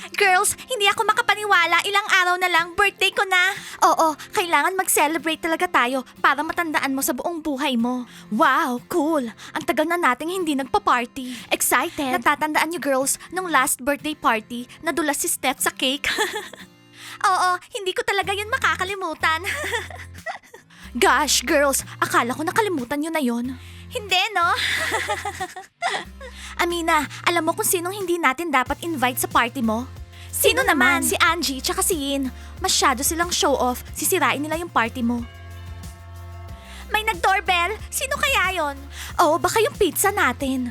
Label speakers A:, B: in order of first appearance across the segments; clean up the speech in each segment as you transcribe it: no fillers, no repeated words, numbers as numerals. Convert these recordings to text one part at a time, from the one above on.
A: Girls, hindi ako makapaniwala. Ilang araw na lang, birthday ko na. Oo, kailangan mag-celebrate talaga tayo para matandaan mo sa buong buhay mo. Wow, cool. Ang tagal na nating hindi nagpa-party. Excited? Natatandaan niyo girls, nung last birthday party, nadulas si Steph sa cake. Oo, hindi ko talaga yun makakalimutan. Gosh, girls, akala ko nakalimutan nyo na yon. Hindi, no? Amina, alam mo kung sinong hindi natin dapat invite sa party mo? Sino naman? Si Angie tsaka si Yin. Masyado silang show off. Sisirain nila yung party mo. May nag-doorbell? Sino kaya yon? Oh, baka yung pizza natin.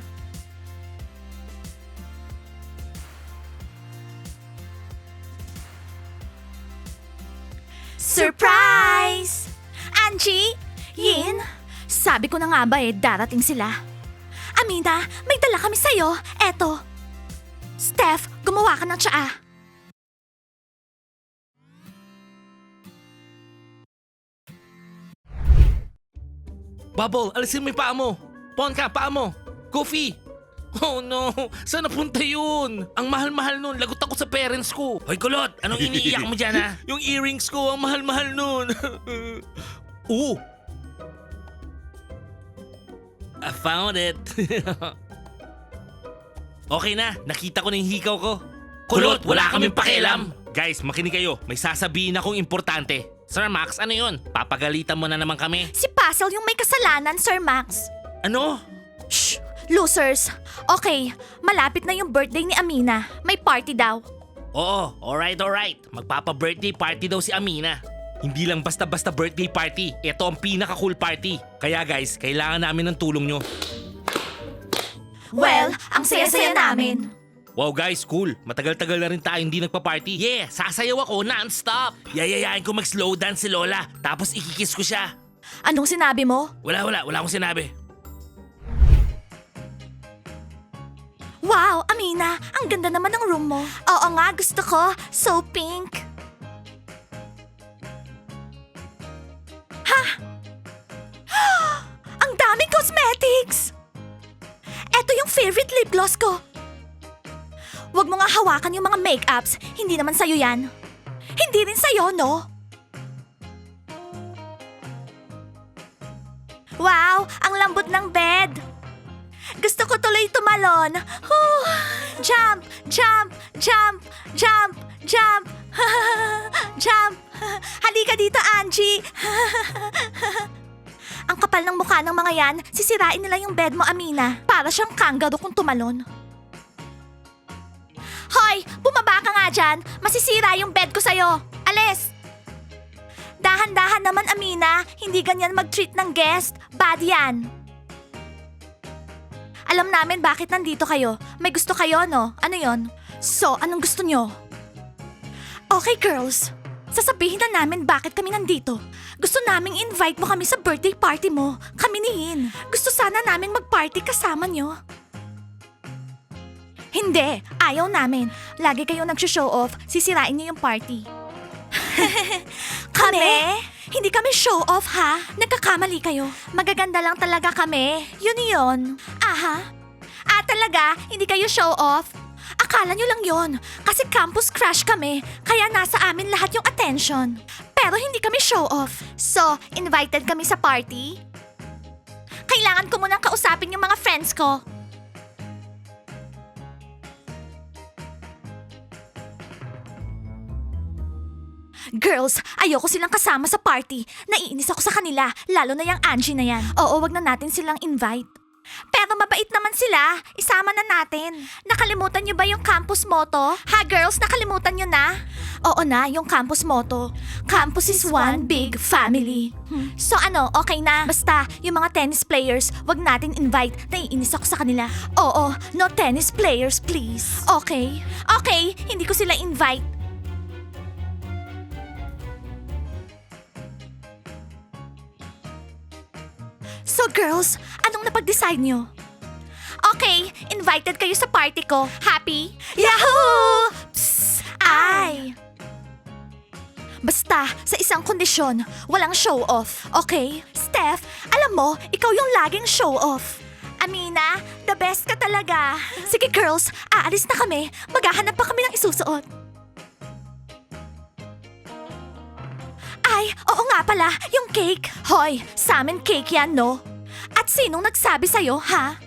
A: Surprise! Angie? Yin? Sabi ko na nga ba darating sila. Amina, may dala kami sa'yo. Eto. Steph, gumawa ka ng tsaa.
B: Bubble, alisin mo yung paa mo. Ponka, paa mo. Goofy. Oh no, saan napunta yun? Ang mahal-mahal nun, lagot ako sa parents ko. Hoy kulot, anong iniiyak mo dyan ha? Yung earrings ko, ang mahal-mahal nun. Oo. I found it. Okay na, nakita ko na yung hikaw ko. Kulot, wala kaming pakialam. Guys, makinig kayo. May sasabihin akong importante. Sir Max, ano yun? Papagalitan mo na naman kami.
A: Si Puzzle yung may kasalanan, Sir Max.
B: Ano?
A: Shh! Losers! Okay, malapit na yung birthday ni Amina. May party daw.
B: Oo, alright. Magpapa-birthday party daw si Amina. Hindi lang basta-basta birthday party. Ito ang pinaka-cool party. Kaya guys, kailangan namin ng tulong nyo.
A: Well, ang saya-saya namin.
B: Wow guys, cool. Matagal-tagal na rin tayo hindi nagpa-party. Yeah, sasayaw ako non-stop. Yayayain ko mag-slow dance si Lola. Tapos ikikiss ko siya.
A: Anong sinabi mo?
B: Wala akong sinabi.
A: Wow, Amina, ang ganda naman ng room mo. Oo nga, gusto ko. So pink. Ha? Ang daming cosmetics! Eto yung favorite lip gloss ko. Huwag mo nga hawakan yung mga make-ups. Hindi naman sa'yo yan. Hindi rin sa'yo, no? Wow, ang lambot ng bed. Gusto ko tuloy tumalon. Jump, jump, jump, jump, jump. Jump. Halika dito, Angie. Ang kapal ng mukha ng mga yan, sisirain nila yung bed mo, Amina. Para siyang kangaroo kung tumalon. Hoy, bumaba ka nga dyan. Masisira yung bed ko sa'yo. Alis! Dahan-dahan naman, Amina. Hindi ganyan mag-treat ng guest. Bad yan. Alam namin bakit nandito kayo. May gusto kayo, no? Ano yon? So, anong gusto nyo? Okay, girls. Sasabihin na namin bakit kami nandito. Gusto naming invite mo kami sa birthday party mo. Kami ni Hin. Gusto sana naming mag-party kasama nyo. Hindi, ayaw namin. Lagi kayo nag-show off, sisirain niyo yung party. Kami? Hindi kami show off ha? Nagkakamali kayo. Magaganda lang talaga kami. Yun. Aha. Talaga? Hindi kayo show off? Akala nyo lang yon. Kasi campus crush kami, kaya nasa amin lahat yung attention. Pero hindi kami show off. So, invited kami sa party? Kailangan ko munang kausapin yung mga friends ko. Girls, ayoko silang kasama sa party. Naiinis ako sa kanila, lalo na yung Angie na yan. Oo, wag na natin silang invite. Pero mabait naman sila. Isama na natin. Nakalimutan niyo ba yung campus motto? Ha girls, nakalimutan niyo na? Oo na, yung campus motto. Campus is one big family. So ano, okay na? Basta, yung mga tennis players, wag natin invite. Naiinis ako sa kanila. Oo, no tennis players please. Okay? Okay, hindi ko sila invite. So girls, anong napag-decide nyo? Okay, invited kayo sa party ko. Happy? Yahoo! Psst! Ay! Basta, sa isang kondisyon, walang show-off, okay? Steph, alam mo, ikaw yung laging show-off. Amina, The best ka talaga. Sige girls, aalis na kami. Maghahanap pa kami ng isusuot. Ay, oo nga pala, yung cake. Hoy, sa amin cake yan, no? At sinong nagsabi sa'yo, ha?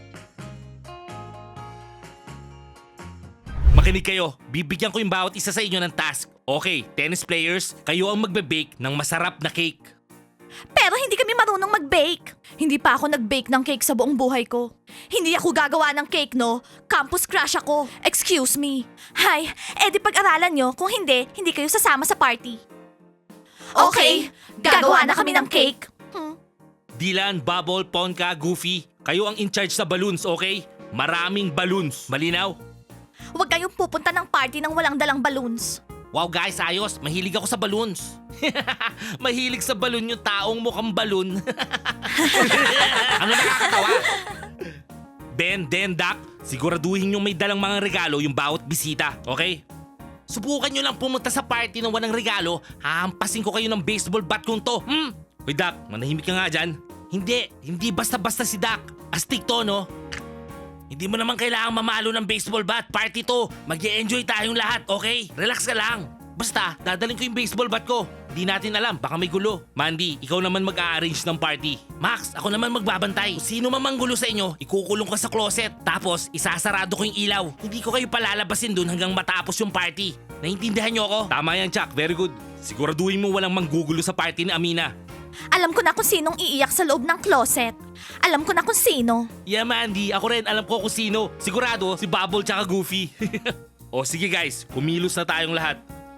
B: Makinig kayo, bibigyan ko yung bawat isa sa inyo ng task. Okay, tennis players, kayo ang magbe-bake ng masarap na cake.
A: Pero hindi kami marunong mag-bake. Hindi pa ako nag-bake ng cake sa buong buhay ko. Hindi ako gagawa ng cake, no? Campus crush ako. Excuse me. Hay, edi pag-aralan nyo. Kung hindi, hindi kayo sasama sa party. Okay, gagawa na kami ng cake.
B: Dylan, Bubble, Ponca, Goofy, kayo ang in charge sa balloons, okay? Maraming balloons. Malinaw?
A: Huwag kayong pupunta ng party ng walang dalang balloons.
B: Wow guys, ayos. Mahilig ako sa balloons. Mahilig sa balloon yung taong mukhang balloon. Ano nakakatawa? Ben, Doc, siguraduhin yung may dalang mga regalo yung bawat bisita, okay? Subukan nyo lang pumunta sa party ng walang regalo, hahampasin ko kayo ng baseball bat kong to. Hoy Doc, manahimik ka nga dyan. Hindi basta-basta si Doc. Astig to, no? Hindi mo naman kailangang mamalo ng baseball bat. Party to. Mag-e-enjoy tayong lahat, okay? Relax ka lang. Basta, dadalhin ko yung baseball bat ko. Hindi natin alam, baka may gulo. Mandy, ikaw naman mag-a-arrange ng party. Max, ako naman magbabantay. Kung sino man manggulo sa inyo, ikukulong ka sa closet. Tapos, isasarado ko yung ilaw. Hindi ko kayo palalabasin dun hanggang matapos yung party. Naintindihan niyo ako? Tama yan, Chuck. Very good. Siguraduhin mo walang manggugulo sa party ni Amina.
A: Alam ko na kung sinong iiyak sa loob ng closet. Alam ko na kung sino.
B: Yeah, Mandy. Ako rin. Alam ko kung sino. Sigurado, si Bubble tsaka Goofy. O sige guys, kumilos na tayong lahat.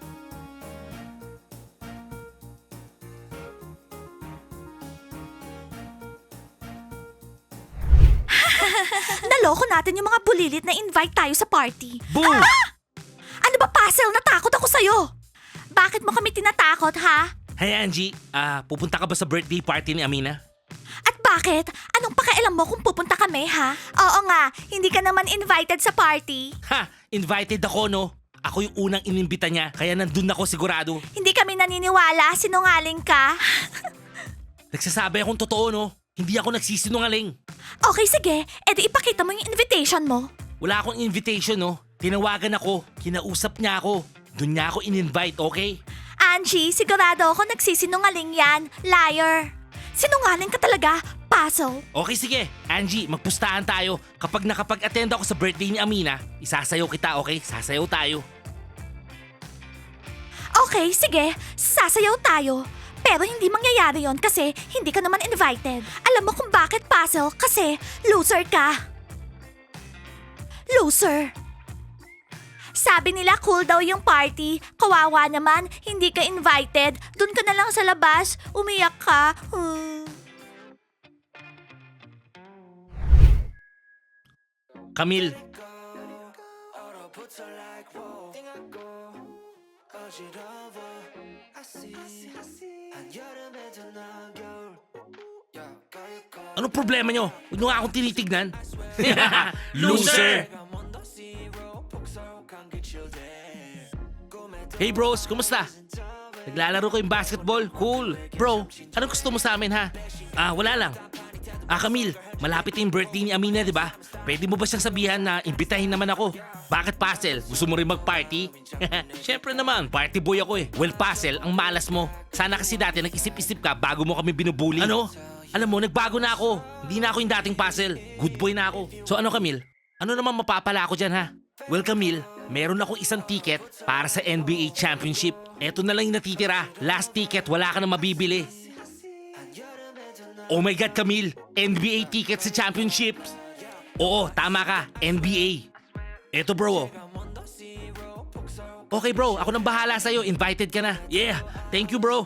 A: Naloko natin yung mga bulilit na invite tayo sa party.
B: Boom!
A: Ano ba, Puzzle? Natakot ako sa'yo. Bakit mo kami tinatakot, ha?
B: Hey Angie, pupunta ka ba sa birthday party ni Amina?
A: At bakit? Anong pakialam mo kung pupunta kami, ha? Oo nga, hindi ka naman invited sa party.
B: Ha! Invited ako, no? Ako yung unang inimbita niya, kaya nandun ako sigurado.
A: Hindi kami naniniwala, sinungaling ka.
B: Nagsasabi akong totoo, no? Hindi ako nagsisinungaling.
A: Okay, sige. Edi ipakita mo yung invitation mo.
B: Wala akong invitation, no? Tinawagan ako, kinausap niya ako. Doon niya ako in-invite, okay?
A: Angie, sigurado ako nagsisinungaling yan. Liar. Sinungaling ka talaga, Puzzle.
B: Okay, sige. Angie, magpustahan tayo. Kapag nakapag-attend ako sa birthday ni Amina, isasayaw kita, okay? Sasayaw tayo.
A: Okay, sige. Sasayaw tayo. Pero hindi mangyayari yon kasi hindi ka naman invited. Alam mo kung bakit, Puzzle? Kasi loser ka. Loser. Sabi nila cool daw yung party. Kawawa naman, hindi ka invited. Doon ka na lang sa labas. Umiyak ka.
B: Camille, ano problema nyo? Huwag nyo nga akong tinitignan. Loser! Hey bros, kumusta? Naglalaro ko yung basketball? Cool. Bro, anong gusto mo sa amin ha? Wala lang. Camille, malapit na yung birthday ni Amina, di ba? Pwede mo ba siyang sabihan na imbitahin naman ako? Bakit, Puzzle? Gusto mo rin mag-party? Siyempre naman, party boy ako eh. Well, Puzzle, ang malas mo. Sana kasi dati nag-isip-isip ka bago mo kami binubuli. Ano? Alam mo, nagbago na ako. Hindi na ako yung dating Puzzle. Good boy na ako. So ano, Camille? Ano naman mapapala ako dyan, ha? Well, Camille, meron akong isang ticket para sa NBA Championship. Eto na lang yung natitira. Last ticket, wala ka na mabibili. Oh my God, Camille! NBA ticket sa championships! Oo, tama ka. NBA. Eto bro. Okay bro, ako nang bahala sa'yo. Invited ka na. Yeah, thank you bro.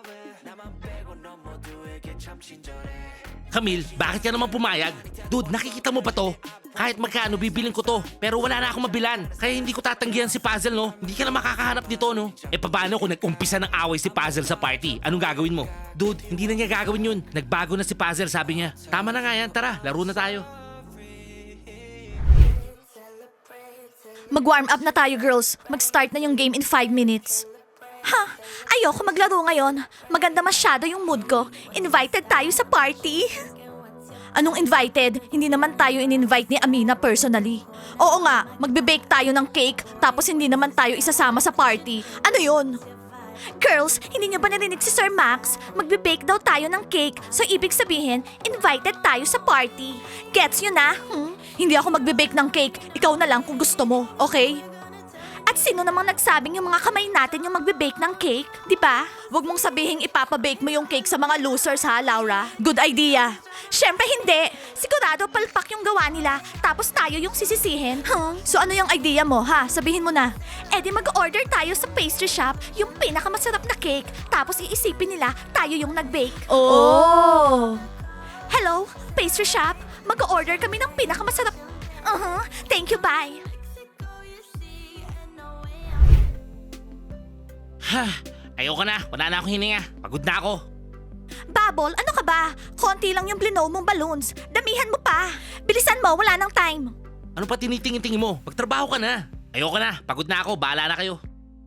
B: Camille, bakit ka naman pumayag? Dude, nakikita mo ba to? Kahit magkano, bibilin ko to. Pero wala na akong mabilan. Kaya hindi ko tatanggihan si Puzzle, no? Hindi ka na makakahanap nito, no? Paano kung nag-umpisa ng away si Puzzle sa party? Anong gagawin mo? Dude, hindi na niya gagawin yun. Nagbago na si Puzzle, sabi niya. Tama na nga yan, tara, laro na tayo.
A: Mag-warm up na tayo, girls. Mag-start na yung game in 5 minutes. Ha? Ayoko maglaro ngayon. Maganda masyado yung mood ko. Invited tayo sa party. Anong invited? Hindi naman tayo in-invite ni Amina personally. Oo nga, magbe-bake tayo ng cake tapos hindi naman tayo isasama sa party. Ano yun? Girls, hindi niyo ba narinig si Sir Max? Magbe-bake daw tayo ng cake, so ibig sabihin, invited tayo sa party. Gets nyo na? Hindi ako magbe-bake ng cake, ikaw na lang kung gusto mo, okay? At sino namang nagsabing yung mga kamay natin yung magbe-bake ng cake? Di ba? Huwag mong sabihing ipapabake mo yung cake sa mga losers ha, Laura. Good idea. Syempre hindi. Sigurado palpak yung gawa nila, tapos tayo yung sisisihin. So ano yung idea mo ha? Sabihin mo na. Eh di mag-order tayo sa pastry shop yung pinakamasarap na cake, tapos iisipin nila tayo yung nag-bake. Oh! Hello, pastry shop? Mag-order kami ng pinakamasarap. Thank you, bye.
B: Ayoko na. Wala na akong hininga. Pagod na ako.
A: Bubble, ano ka ba? Konti lang yung blow mong balloons. Damihan mo pa. Bilisan mo, wala nang time.
B: Ano pa tinitingin-tingin mo? Magtrabaho ka na. Ayoko na. Pagod na ako. Bahala na kayo.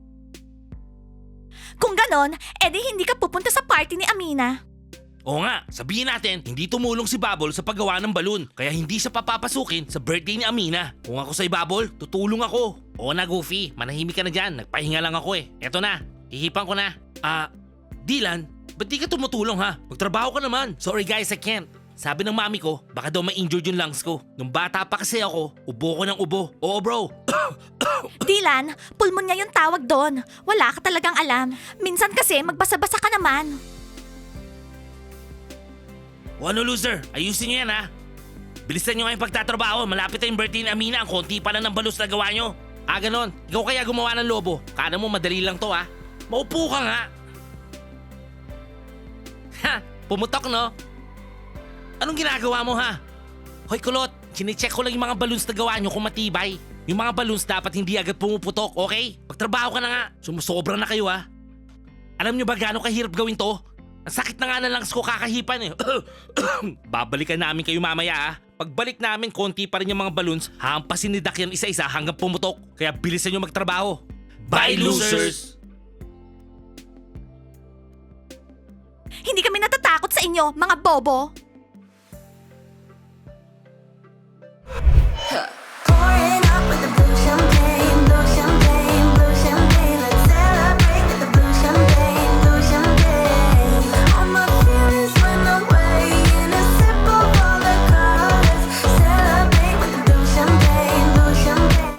A: Kung ganon, edi hindi ka pupunta sa party ni Amina.
B: Oo nga, sabihin natin, hindi tumulong si Bubble sa paggawa ng balon, kaya hindi siya papapasukin sa birthday ni Amina. Kung ako sa'y Bubble, tutulong ako. Oo na, Goofy, manahimik ka na dyan, nagpahinga lang ako eh. Eto na, hihipan ko na. Dylan, ba't di ka tumutulong ha? Magtrabaho ka naman. Sorry guys, I can't. Sabi ng mami ko, baka daw ma-injured yung lungs ko. Nung bata pa kasi ako, ubo ko ng ubo. Oo bro.
A: Dylan, pulmonya yung tawag doon. Wala ka talagang alam. Minsan kasi magbasa-basa ka naman.
B: O ano loser, ayusin nyo yan ha. Bilisan nyo nga yung pagtatrabaho, malapit na yung birthday ni Amina, ang konti pa lang ng balos na gawa nyo. Ganon, ikaw kaya gumawa ng lobo. Kala mo madali lang to ha. Maupo ka nga. Ha, pumutok no? Anong ginagawa mo ha? Hoy kulot, chinecheck ko lang yung mga balloons na gawa nyo kung matibay. Yung mga balloons dapat hindi agad pumuputok, okay? Pagtrabaho ka na nga, sumusobra na kayo ha. Alam nyo ba gaano kahirap gawin to? Ang sakit na nga na lungs ko kakahipan eh. Babalikan namin kayo mamaya ah. Pagbalik namin, konti pa rin yung mga balloons. Hampasin ni Dak yan isa-isa hanggang pumutok. Kaya bilisan nyo magtrabaho. Bye losers!
A: Hindi kami natatakot sa inyo, mga bobo.